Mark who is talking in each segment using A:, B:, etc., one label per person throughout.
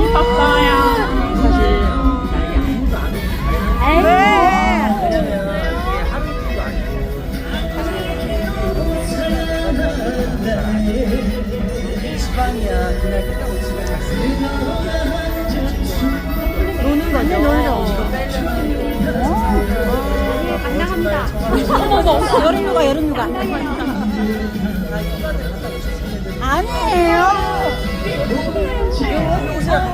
A: 재밌었어요.
B: 사실 나에게 아무도 안 오고
A: 에이.
B: 왜냐면 이게 하루 이틀도 아니고 사실 지방이야 그날 끝나고 집에 잘 쓰는
A: 노는 거죠.
C: 당당합니다.
A: 여름휴가, 여름휴가. 아니에요.
B: 오세요 같이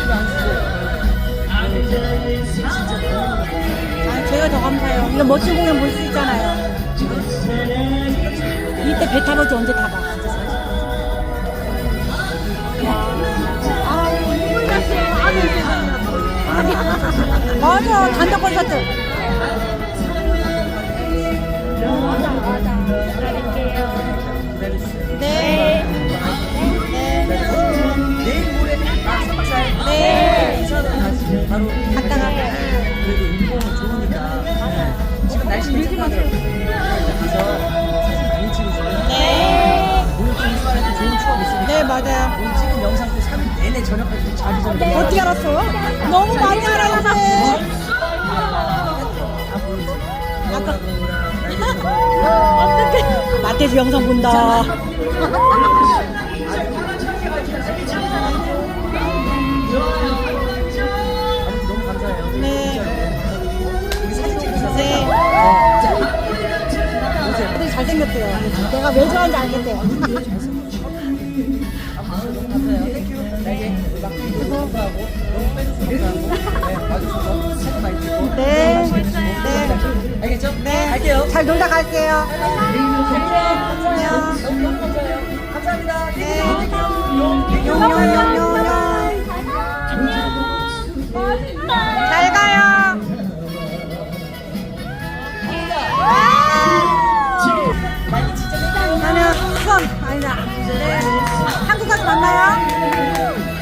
A: 제가 더 감사해요. 이런 멋진 공연 볼 수 있잖아요. 이때 배 타볼지 언제 타봐. 맞아, 단독 콘서트. 네.
B: 내일 모레 딱 3살
A: 네.
B: 인사는 같이 바로
A: 갔다가.
B: 그래도 인공은 좋으니까 지금 날씨 괜찮아요. 가서 사진 많이 찍으세요.
A: 네.
B: 오늘 또 이수아한테 좋은 추억 있으니까
A: 네, 맞아요.
B: 오늘 찍은 영상도 3일 내내 저녁까지 자기 전에
A: 어떻게 알았어요? 너무 많이 알았는데. 어떡해. 마트에서 영상 본다.
B: 너무 감사해요.
A: 네.
B: 우리 사진 찍으셔서
A: 네.
B: 오세요.
A: 애들이 잘생겼대요. 내가 왜 좋아하는지 알겠대요.
B: 너무 감사해요. 땡큐. 나에게 막 감사하고 너무 빼줘서 감사하고 네, 와주셔서 사진 많이 찍고
A: 네. 네.
B: 알겠죠?
A: 네.
B: 갈게요.
A: 잘 놀다 갈게요.
B: 안녕. 너무 감사해요. 감사합니다.
A: 네.
B: 땡큐.
A: 잘 가요. 나는 수원 아니다. 네. 한국 가서 만나요.